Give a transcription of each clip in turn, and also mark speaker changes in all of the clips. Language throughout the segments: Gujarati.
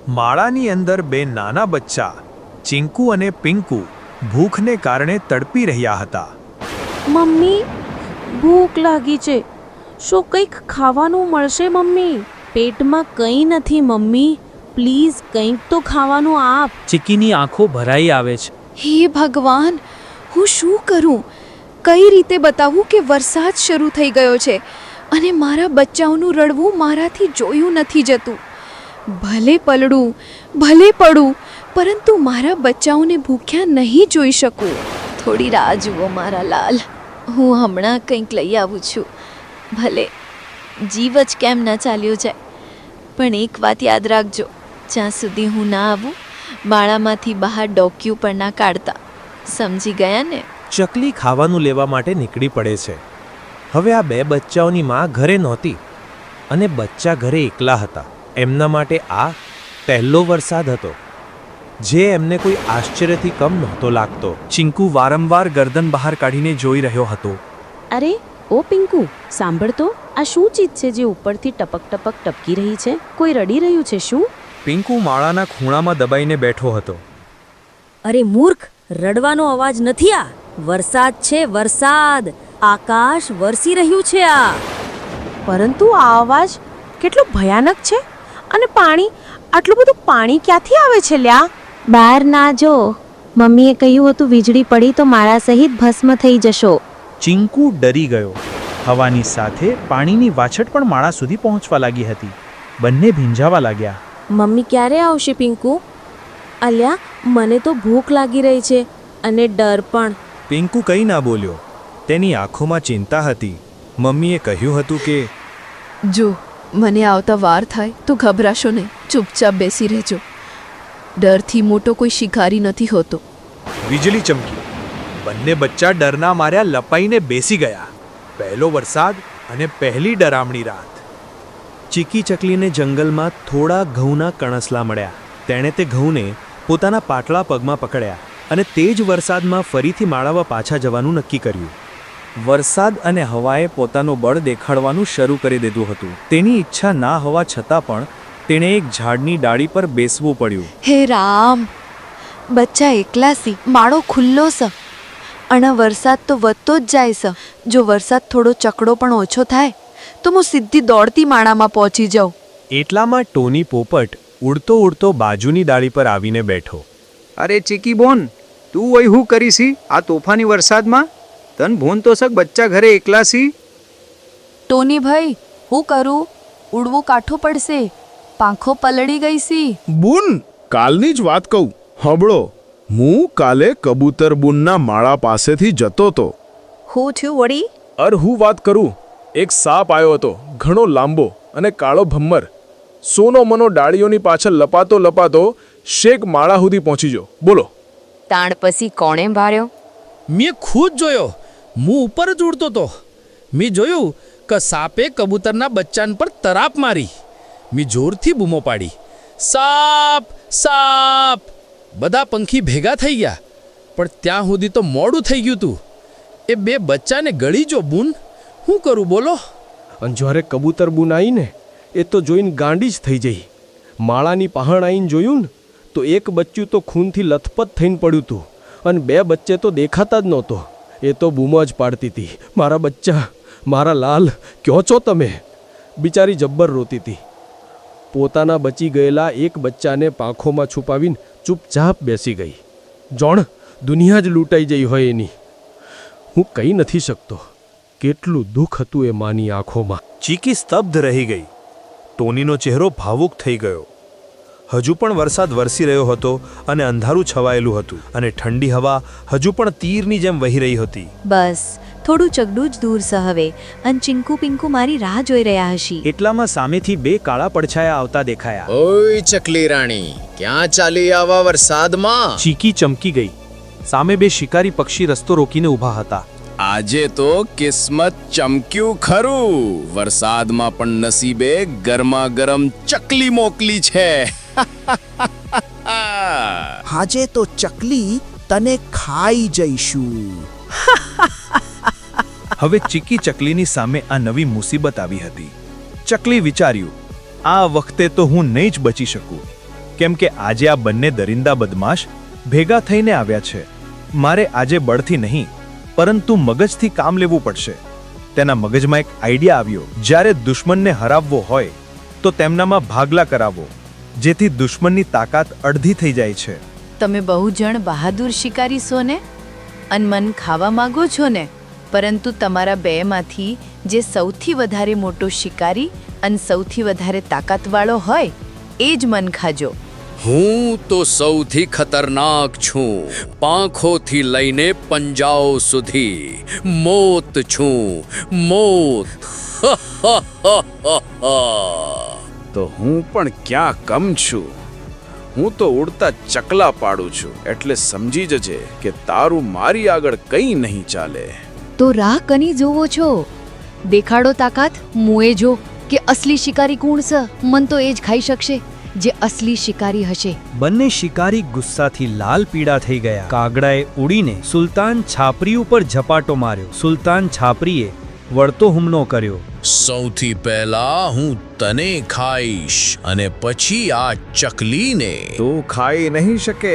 Speaker 1: માળાની અંદર બે નાના બચ્ચા ચિંકુ અને પિંકુ ભૂખને કારણે તડપી રહ્યા હતા.
Speaker 2: મમ્મી, ભૂખ લાગી છે. શું કંઈક ખાવાનું મળશે મમ્મી? પેટમાં કંઈ નથી મમ્મી, પ્લીઝ કંઈક તો ખાવાનું આપ.
Speaker 3: ચીકીની આંખો ભરાઈ આવે છે.
Speaker 4: હે ભગવાન, હું શું કરું? કઈ રીતે બતાવું કે વરસાદ શરૂ થઈ ગયો છે અને મારા બચ્ચાઓનું રડવું મારાથી જોયું નથી જતું. ભલે પલડું, ભલે પડું, પરંતુ મારા બચ્ચાઓને ભૂખ્યા નહીં જોઈ શકું. થોડી રાહ જુઓ મારા લાલ, હું હમણાં કંઈક લઈ આવું છું. ભલે જીવ જ કેમ ન ચાલ્યો જાય, પણ એક વાત યાદ રાખજો, જ્યાં સુધી હું ના આવું માળામાંથી બહાર ડોક્યું પણ ના કાઢતા. સમજી ગયા ને?
Speaker 1: ચકલી ખાવાનું લેવા માટે નીકળી પડે છે. હવે આ બે બચ્ચાઓની માં ઘરે નહોતી અને બચ્ચા ઘરે એકલા હતા. એમના માટે આ પહેલો વરસાદ હતો, જે એમને કોઈ આશ્ચર્યથી કમ નહોતો લાગતો.
Speaker 3: ચિંકુ વારંવાર ગરદન બહાર કાઢીને જોઈ રહ્યો હતો.
Speaker 2: અરે ઓ પિંકુ, સાંભળ તો, આ શું ચીજ છે જે ઉપરથી ટપક ટપક ટપકી રહી છે? કોઈ રડી રહ્યું છે શું?
Speaker 1: પિંકુ માળાના ખૂણામાં દબાઈને બેઠો હતો.
Speaker 5: અરે મૂર્ખ, રડવાનો અવાજ નથી આ. વરસાદ છે, વરસાદ. આકાશ વરસી રહ્યું છે આ.
Speaker 2: પરંતુ આ અવાજ કેટલો ભયાનક છે, અને પાણી, આટલું બધું પાણી ક્યાંથી આવે છે લ્યા? બહાર ના જો, મમ્મીએ કહ્યું હતું વીજળી પડી તો મારા સહિત ભસ્મ થઈ જશો.
Speaker 3: ચિંકુ ડરી ગયો. હવાની સાથે પાણીની વાછટ પણ માળા સુધી પહોંચવા લાગી હતી. બંને ભીંજાવા લાગ્યા.
Speaker 2: મમ્મી ક્યારે આવશે પિંકુ? અલ્યા, મને તો ભૂખ લાગી રહી છે અને ડર પણ.
Speaker 1: પિંકુ કંઈ ના બોલ્યો. તેની આંખોમાં ચિંતા હતી. મમ્મીએ કહ્યું હતું કે
Speaker 4: જો મને આવતા વાર થાય તો ગભરાશો નહીં, ચૂપચાપ બેસી રહેજો. ડરથી મોટો કોઈ શિકારી નથી હોતો.
Speaker 1: વીજળી ચમકી. બંને બચ્ચા ડરના માર્યા લપાઈને બેસી ગયા. પહેલો વરસાદ અને પહેલી ડરામણી રાત. ચીકી ચકલીને જંગલમાં થોડા ઘઉંના કણસલા મળ્યા. તેણે તે ઘઉંને પોતાના પાટલા પગમાં પકડ્યા અને તે જ વરસાદમાં ફરીથી માળામાં પાછા જવાનું નક્કી કર્યું. વરસાદ અને હવાએ પોતાનું બળ દેખાડવાનું શરૂ કરી દીધું હતું. તેની ઈચ્છા ના હોવા છતાં પણ તેણે એક ઝાડની ડાળી પર બેસવું પડ્યું.
Speaker 4: હે રામ, બચ્ચા એકલા સી, માળો ખુલ્લો સ અને વરસાદ તો વધતો જ જાય છે. જો વરસાદ થોડો ચકડો પણ ઓછો થાય તો હું સીધી દોડતી માળામાં પહોંચી જાઉં.
Speaker 1: એટલામાં ટોની પોપટ ઉડતો ઉડતો બાજુની ડાળી પર આવીને બેઠો.
Speaker 6: અરે ચીકી બોન, તું અહીં હું કરીશી આ તોફાની વરસાદમાં? તન ભોન તો સક બચ્ચા ઘરે એકલા સી.
Speaker 4: ટોની ભાઈ, હું કરું? ઉડવું કાઠું પડશે, પાંખો પલળી ગઈ સી.
Speaker 7: બુન, કાલની જ વાત કહું, હબળો. હું કાલે કબૂતર બુનના માળા પાસેથી જતો તો.
Speaker 5: હું થયું વળી?
Speaker 7: હું વાત કરું, એક સાપ આવ્યો હતો, ઘણો લાંબો અને કાળો ભમ્મર. સોનો મનો ડાળીઓની પાછળ લપાતો લપાતો શેક માળા સુધી પહોંચી ગયો. બોલો.
Speaker 4: તાણ પછી કોણે ભાર્યો?
Speaker 8: મેં ખુદ જોયો. હું ઉપર જ ઉડતો તો. મેં જોયું કે સાપે કબૂતરના બચ્ચાન પર તરાપ મારી. મેં જોરથી બૂમો પાડી, સાપ સાપ! બધા પંખી ભેગા થઈ ગયા, પણ ત્યાં સુધી તો મોડું થઈ ગયું તું. એ બે બચ્ચાને ગળી જો બૂન. શું કરું બોલો?
Speaker 9: અને જ્યારે કબૂતર બૂન આવીને એ તો જોઈને ગાંડી જ થઈ જઈ. માળાની પહાણ આવીને જોયું ને તો એક બચ્ચું તો ખૂનથી લથપથ થઈને પડ્યું હતું અને બે બચ્ચે તો દેખાતા જ નહોતો. એ તો બૂમો જ પાડતી હતી, મારા બચ્ચા, મારા લાલ, ક્યાં છો તમે? બિચારી જબ્બર રોતી હતી. પોતાના બચી ગયેલા એક બચ્ચાને પાંખોમાં છુપાવીને ચૂપચાપ બેસી ગઈ. જોણ, દુનિયા જ લૂંટાઈ જઈ હોય એની. હું કહી નથી શકતો કેટલું દુઃખ હતું એ માની આંખોમાં.
Speaker 1: ચીકી સ્તબ્ધ રહી ગઈ. ટોનીનો ચહેરો ભાવુક થઈ ગયો. હજુ પણ વરસાદ વરસી રહ્યો હતો અને અંધારું છવાયેલું હતું અને ઠંડી હવા હજુ પણ તીરની જેમ વહી રહી હતી.
Speaker 4: બસ થોડું ચગડું જ દૂર છે હવે, અને ચિંકુ પિંકુ મારી રાહ જોઈ રહ્યા હશી.
Speaker 3: એટલામાં સામેથી બે કાળા પડછાયા આવતા દેખાયા.
Speaker 10: ઓય ચકલી રાણી, ક્યાં ચાલી આવા વરસાદમાં?
Speaker 1: ચીકી ચમકી ગઈ. સામે બે શિકારી પક્ષી રસ્તો રોકીને ઊભા હતા.
Speaker 10: આજે તો કિસ્મત ચમક્યું ખરું. વરસાદમાં પણ નસીબે ગરમા ગરમ ચકલી મોકલી છે.
Speaker 11: આજે તો ચકલી તને ખાઈ જઈશું.
Speaker 1: હવે ચીકી ચકલીની સામે આ નવી મુસીબત આવી હતી. ચકલી વિચાર્યું, આ વખતે તો હું નહીં જ બચી શકું.
Speaker 3: કેમ કે આજે આ બંને દરિંદા બદમાશ ભેગા થઈને આવ્યા છે. મારે આજે બળથી નહીં પરંતુ મગજથી કામ લેવું પડશે. તેના મગજમાં એક આઈડિયા આવ્યો. જ્યારે દુશ્મનને હરાવવો હોય તો તેમનામાં ભાગલા કરાવો, જેથી દુશ્મનની તાકાત અડધી થઈ જાય છે.
Speaker 12: તમે બહુ જણ બહાદુર શિકારી છો ને, અનમન ખાવા માંગો છો ને, પરંતુ તમારા બેમાંથી જે સૌથી વધારે મોટો શિકારી અને સૌથી વધારે તાકાતવાળો હોય એ જ મન ખાજો.
Speaker 8: હું તો સૌથી ખતરનાક છું. પાંખોથી લઈને પંજાઓ સુધી મોત છું, મોત.
Speaker 10: તો હું પણ ક્યાં કમ છું. હું તો ઉડતા ચકલા પાડું છું, એટલે સમજી જજે કે તારું મારી આગળ કંઈ નહીં ચાલે.
Speaker 4: તો રાહ કની જોવો છો? દેખાડો તાકાત, મુએ જો કે અસલી શિકારી કોણ છે. મન તો એ જ ખાઈ શકશે જે અસલી શિકારી હશે.
Speaker 3: બંને શિકારી ગુસ્સાથી લાલ પીળા થઈ ગયા. કાગડાએ ઉડીને સુલતાન છાપરી ઉપર ઝપાટો માર્યો. સુલતાન છાપરીએ વળતો હુમલો કર્યો.
Speaker 8: સૌથી પહેલા હું તને ખાઈશ અને પછી આ ચકલીને.
Speaker 10: તું ખાઈ નહીં શકે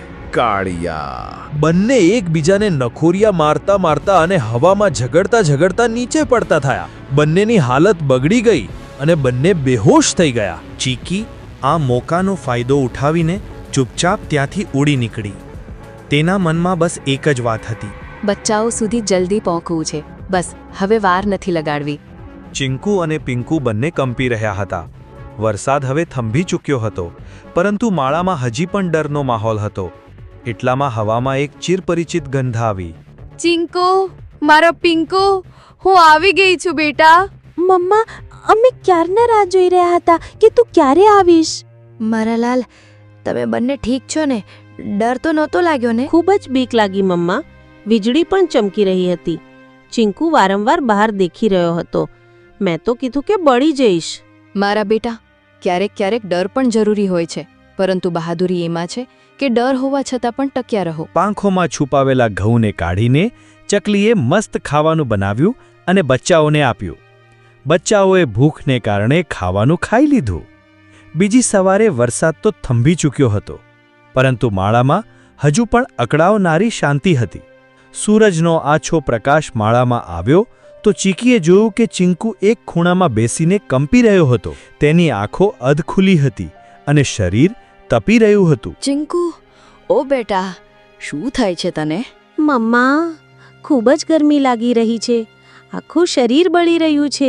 Speaker 10: કાળિયા.
Speaker 3: બંને એકબીજાને નખોરિયા મારતા મારતા અને હવામાં ઝઘડતા નીચે પડતા થયા. બંનેની હાલત બગડી ગઈ અને બંને બેહોશ થઈ ગયા. ચીકી આ મોકાનો ફાયદો ઉઠાવીને ચૂપચાપ ત્યાંથી ઉડી નીકળી. તેના મનમાં બસ એક જ વાત હતી,
Speaker 12: બચ્ચાઓ સુધી જલ્દી પહોંચવું છે. બસ હવે વાર નથી લગાડવી.
Speaker 3: ચિંકુ અને પિંકુ બંને કંપી રહ્યા હતા. વરસાદ હવે થંભી ચૂક્યો હતો, પરંતુ માળામાં હજી પણ ડરનો માહોલ હતો. એટલામાં હવામાં એક ચિરપરિચિત ગંધ આવી.
Speaker 4: ચિંકો, મારો પિંકો, હું આવી ગઈ છું બેટા.
Speaker 2: મમ્મા, અમે ક્યારના રાહ જોઈ રહ્યા હતા કે તું ક્યારે આવીશ.
Speaker 12: મારા લાલ, તમે બંને ઠીક છો ને? ડર તો નહોતો લાગ્યો ને?
Speaker 2: ખૂબ જ બીક લાગી મમ્મા. વીજળી પણ ચમકી રહી હતી. ચિંકુ વારંવાર બહાર દેખી રહ્યો હતો. મેં તો કીધું કે બળી જઈશ.
Speaker 4: મારા બેટા, ક્યારેક ક્યારેક ડર પણ જરૂરી હોય છે, પરંતુ બહાદુરી એમાં છે કે ડર હોવા છતાં પણ ટક્યા રહો.
Speaker 3: પાંખોમાં છુપાવેલા ઘઉંને કાઢીને ચકલીએ મસ્ત ખાવાનું બનાવ્યું અને બચ્ચાઓને આપ્યું. બચ્ચાઓએ ભૂખને કારણે ખાવાનું ખાઈ લીધું. બીજી સવારે વરસાદ તો થંભી ચૂક્યો હતો, પરંતુ માળામાં હજુ પણ અકળાવનારી શાંતિ હતી. સૂરજનો આછો પ્રકાશ માળામાં આવ્યો તો ચીકીએ જોયું કે ચિંકુ એક ખૂણામાં બેસીને કંપી રહ્યો હતો. તેની આંખો અધખુલી હતી અને શરીર તપી રહ્યું હતું.
Speaker 4: ચિંકુ, ઓ બેટા, શું થાય છે તને?
Speaker 2: મમ્મા, ખૂબ જ ગરમી લાગી રહી છે. આખું શરીર બળી રહ્યું છે.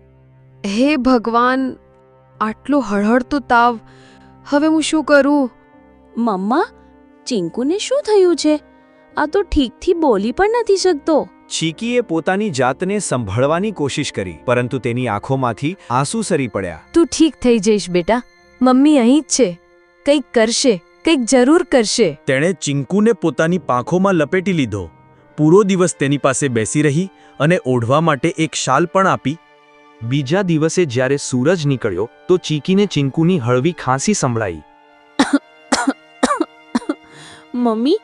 Speaker 4: હે ભગવાન, આટલો હળહળતો તાવ. હવે હું શું કરું?
Speaker 2: મમ્મા, ચિંકુને શું થયું છે? આ તો ઠીકથી બોલી પણ નથી શકતો.
Speaker 3: ચીકીએ પોતાની જાતને સંભળવાની કોશિશ કરી, પરંતુ તેની આંખોમાંથી આંસુ સરી પડ્યા.
Speaker 12: તું ઠીક થઈ જઈશ બેટા. મમ્મી અહીં જ છે. કંઈક કરશે, કંઈક જરૂર કરશે.
Speaker 3: તેણે ચિંકુને પોતાની પાંખોમાં લપેટી લીધો. પૂરો દિવસ તેની પાસે બેસી રહી અને ઓઢવા માટે એક શાલ પણ આપી. બીજા દિવસે જ્યારે સૂરજ નીકળ્યો તો ચીકીને ચિંકુની હળવી ખાંસી સંભળાઈ.
Speaker 2: મમ્મી,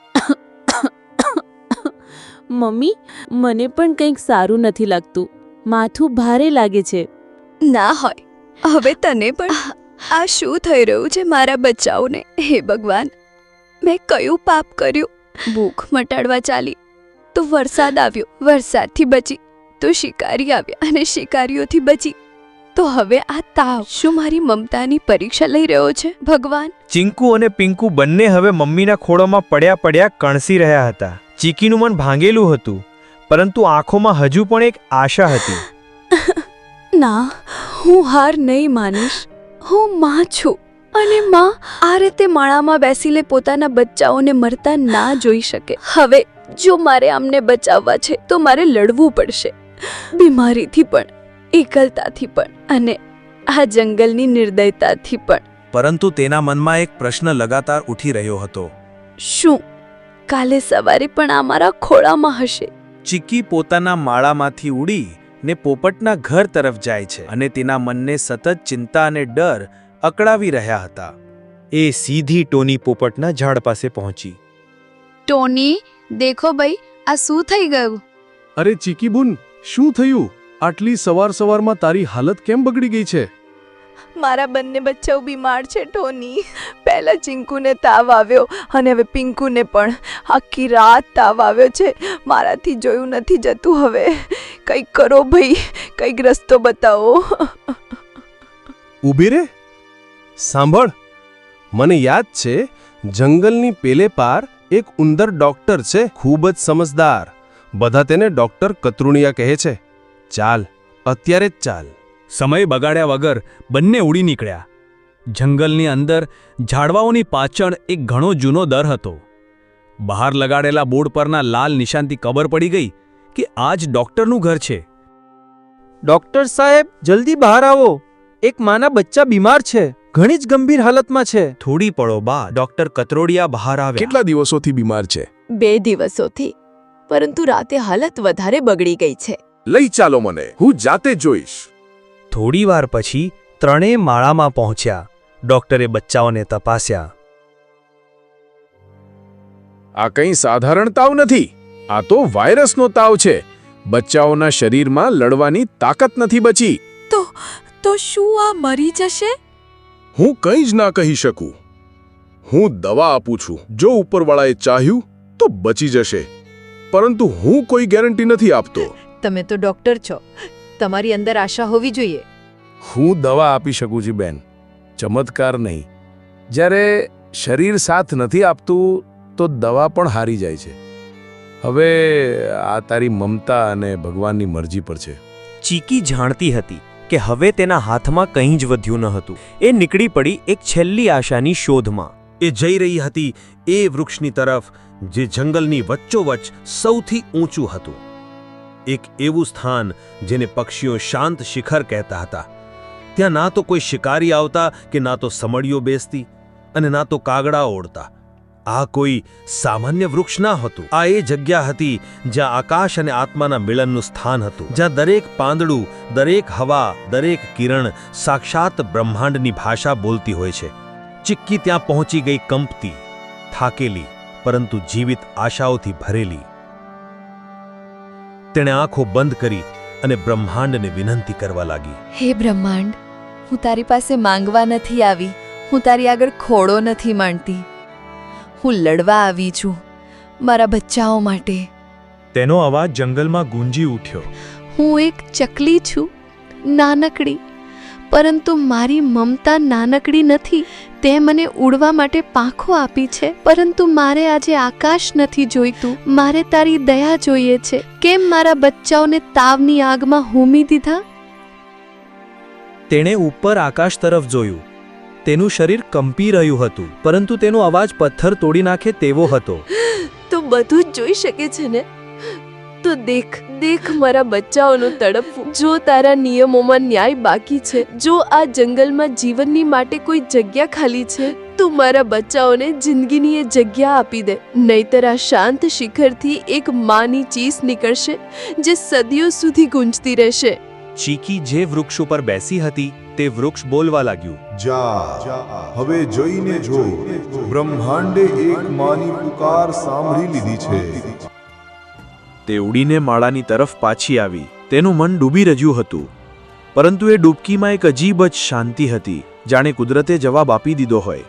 Speaker 2: મમ્મી, મને પણ કંઈક સારું નથી લાગતું. માથું ભારે લાગે છે.
Speaker 4: ના હોય, હવે તને પણ આ શું થઈ રહ્યું છે મારા બચ્ચાઓને? હે ભગવાન, મેં કયું પાપ કર્યું? ભૂખ મટાડવા ચાલી તો વરસાદ આવ્યો, વરસાદથી બચી તો શિકારી આવ્યા અને શિકારીઓથી બચી તો હવે આ તાવ. શું મારી મમતાની પરીક્ષા લઈ રહ્યો છે ભગવાન?
Speaker 3: ચિંકુ અને પિંકુ બંને હવે મમ્મીના ખોળોમાં પડ્યા કણસી રહ્યા હતા. ચીકીનું મન ભાંગેલું હતું, પરંતુ આંખોમાં હજુ પણ એક આશા હતી.
Speaker 4: ના, હું હાર નહીં માનીશ. હું માં છું અને માં આ રીતે માળામાં બેસીને પોતાના બચ્ચાઓને મરતા ના જોઈ શકે. હવે જો મારે આમને બચાવવા છે તો મારે લડવું પડશે, બીમારીથી પણ, એકલતાથી પણ અને આ જંગલની નિર્દયતાથી પણ.
Speaker 3: પરંતુ તેના મનમાં એક પ્રશ્ન લગાતાર ઉઠી રહ્યો હતો.
Speaker 4: શું કાલે સવારે પણ આ મારા ખોળામાં હશે?
Speaker 3: ચીકી પોતાના માળામાંથી ઉડી ને પોપટના ઘર તરફ જાય છે અને તેના મનને સતત ચિંતા અને ડર અકળાવી રહ્યા હતા. એ સીધી ટોની પોપટના ઝાડ પાસે પહોંચી.
Speaker 4: ટોની, દેખો ભાઈ, આ શું થઈ ગયું?
Speaker 7: અરે ચીકી બુન, શું થયું? આટલી સવારમાં તારી હાલત કેમ બગડી ગઈ છે?
Speaker 4: મારા બંને બચ્ચાઓ બીમાર છે ટોની. પહેલા ચિંકુને તાવ આવ્યો અને હવે પિંકુને પણ. આખી રાત તાવ આવ્યો છે. મારાથી જોયું નથી જતું. હવે કંઈક કરો ભાઈ, કંઈક રસ્તો બતાવો.
Speaker 9: ઊભી રે, સાંભળ. મને યાદ છે, જંગલની પેલે પાર એક ઉંદર ડોક્ટર છે, ખૂબ જ સમજદાર. બધા તેને ડોક્ટર કતરુણિયા કહે છે. ચાલ, અત્યારે જ ચાલ.
Speaker 3: સમય બગાડ્યા વગર બંને ઉડી નીકળ્યા. જંગલની અંદર ઝાડવાઓની પાછળ એક ઘણો જૂનો દર હતો. બહાર લગાડેલા બોર્ડ પરના લાલ નિશાનથી ખબર પડી ગઈ કે આ જ ડોક્ટરનું ઘર છે.
Speaker 1: ડોક્ટર સાહેબ, જલ્દી બહાર આવો. એક માના બચ્ચા બીમાર છે, ઘણી જ ગંભીર હાલતમાં છે.
Speaker 3: થોડી પળો બાદ ડોક્ટર કતરોડિયા બહાર આવ્યા.
Speaker 7: કેટલા દિવસોથી બીમાર છે?
Speaker 4: 2 દિવસોથી, પરંતુ રાતે હાલત વધારે બગડી ગઈ છે.
Speaker 7: લઈ ચાલો મને, હું જાતે જોઈશ.
Speaker 3: થોડીવાર પછી ત્રણેય માળામાં પહોંચ્યા. ડોક્ટરે બચ્ચાઓને તપાસ્યા.
Speaker 7: આ કંઈ સાધારણ તાવ નથી. આ તો વાયરસનો તાવ છે. બચ્ચાઓના શરીરમાં લડવાની તાકાત નથી બચી.
Speaker 4: તો શું આ મરી જશે?
Speaker 7: હું કંઈ જ ના કહી શકું. હું દવા આપું છું. જો ઉપરવાળાએ ચાહ્યું તો બચી જશે, પરંતુ હું કોઈ ગેરંટી નથી આપતો.
Speaker 12: તમે તો ડોક્ટર છો, તમારી અંદર આશા હોવી જોઈએ.
Speaker 10: હું દવા આપી શકું છું બેન, ચમત્કાર નહીં. જ્યારે શરીર સાથ નથી આપતું તો દવા પણ હારી જાય છે. હવે આ તારી મમતા અને ભગવાનની મરજી પર છે.
Speaker 1: ચીકી જાણતી હતી કે હવે તેના હાથમાં કંઈ જ વધ્યું ન હતું. એ નીકળી પડી એક છેલ્લી આશાની શોધમાં. એ જઈ રહી હતી એ વૃક્ષની તરફ જે જંગલની વચ્ચોવચ્ચ સૌથી ઊંચું હતું. એક એવું સ્થાન જેને પક્ષીઓ શાંત શિખર કહેતા હતા. ત્યાં ના તો કોઈ શિકારી આવતા કે ના તો સમળીઓ બેસતી અને ના તો કાગડા ઓળતા. આ કોઈ સામાન્ય વૃક્ષ ના હતું. આ એ જગ્યા હતી જ્યાં આકાશ અને આત્માના મિલનનું સ્થાન હતું, જ્યાં દરેક પાંદડું, દરેક હવા, દરેક કિરણ સાક્ષાત બ્રહ્માંડની ભાષા બોલતી હોય છે. ચિક્કી ત્યાં પહોંચી ગઈ, કંપતી, થાકેલી, પરંતુ જીવિત આશાઓથી ભરેલી. તેણે આંખો બંધ કરી અને બ્રહ્માંડને વિનંતી કરવા લાગી.
Speaker 4: હે બ્રહ્માંડ, હું તારી પાસે માંગવા નથી આવી. હું તારી આગળ ખોડો નથી માંડતી. હું લડવા આવી છું મારા બચ્ચાઓ માટે.
Speaker 1: તેનો અવાજ જંગલમાં ગુંજી ઉઠ્યો.
Speaker 4: હું એક ચકલી છું, નાનકડી, પરંતુ મારી મમતા નાનકડી નથી. તે મને ઉડવા માટે પાંખો આપી છે, પરંતુ મારે આજે આકાશ નથી જોઈતું. મારે તારી દયા જોઈએ છે. કેમ મારા બચ્ચાઓને તાવની આગમાં હોમી દીધા?
Speaker 1: તેણે ઉપર આકાશ તરફ જોયું. તેનું શરીર કંપી રહ્યું હતું, પરંતુ તેનો અવાજ પથ્થર તોડી નાખે તેવો હતો.
Speaker 4: તો બધું જ જોઈ શકે છે ને? તો દેખ મારા બચ્ચાઓનું તડપવું. જો તારા નિયમોમાં ન્યાય બાકી છે, જો આ જંગલમાં જીવનની માટે કોઈ જગ્યા ખાલી છે, તો મારા બચ્ચાઓને જિંદગીની એ જગ્યા આપી દે. નહીતર આ શાંત શિખરથી એક માની ચીસ નીકળશે જે સદીઓ સુધી ગુંજતી રહેશે.
Speaker 1: ચીકી જે વૃક્ષ ઉપર બેસી હતી તે વૃક્ષ બોલવા લાગ્યું.
Speaker 13: જા, હવે જોઈને જો, બ્રહ્માંડે એક માની પુકાર સાંભળી લીધી છે.
Speaker 1: તે ઉડીને માળાની તરફ પાછી આવી. તેનું મન ડૂબી રહ્યું હતું, પરંતુ એ ડૂબકીમાં એક અજીબ જ શાંતિ હતી, જાણે કુદરતે જવાબ આપી દીધો હોય.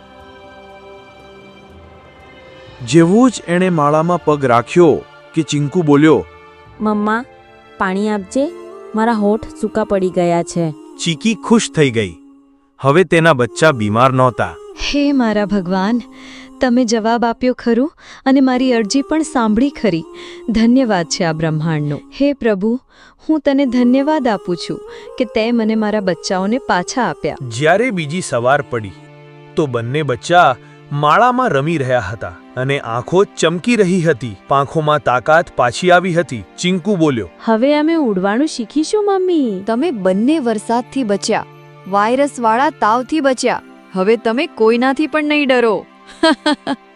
Speaker 1: જેવું જ એણે માળામાં પગ રાખ્યો કે ચિંકુ બોલ્યો,
Speaker 5: મમ્મા, પાણી આપજે, મારા હોઠ સૂકા પડી ગયા છે.
Speaker 1: ચીકી ખુશ થઈ ગઈ. હવે તેના બચ્ચા બીમાર નહોતા.
Speaker 4: હે મારા ભગવાન, તમે જવાબ આપ્યો ખરું અને મારી અરજી પણ સાંભળી ખરી. ધન્યવાદ છે આ બ્રહ્માંડનો. હે પ્રભુ, હું તને ધન્યવાદ આપું છું કે તે મને મારા બચ્ચાઓને પાછા આપ્યા.
Speaker 1: જ્યારે બીજી સવાર પડી તો બંને બચ્ચા માળામાં રમી રહ્યા હતા અને આંખો ચમકી રહી હતી. પાંખોમાં તાકાત પાછી આવી હતી. ચિંકુ બોલ્યો,
Speaker 5: હવે અમે ઉડવાનું શીખીશું મમ્મી.
Speaker 4: તમે બંને વરસાદથી બચ્યા, વાયરસવાળા તાવથી બચ્યા. હવે તમે કોઈનાથી પણ નહીં ડરો.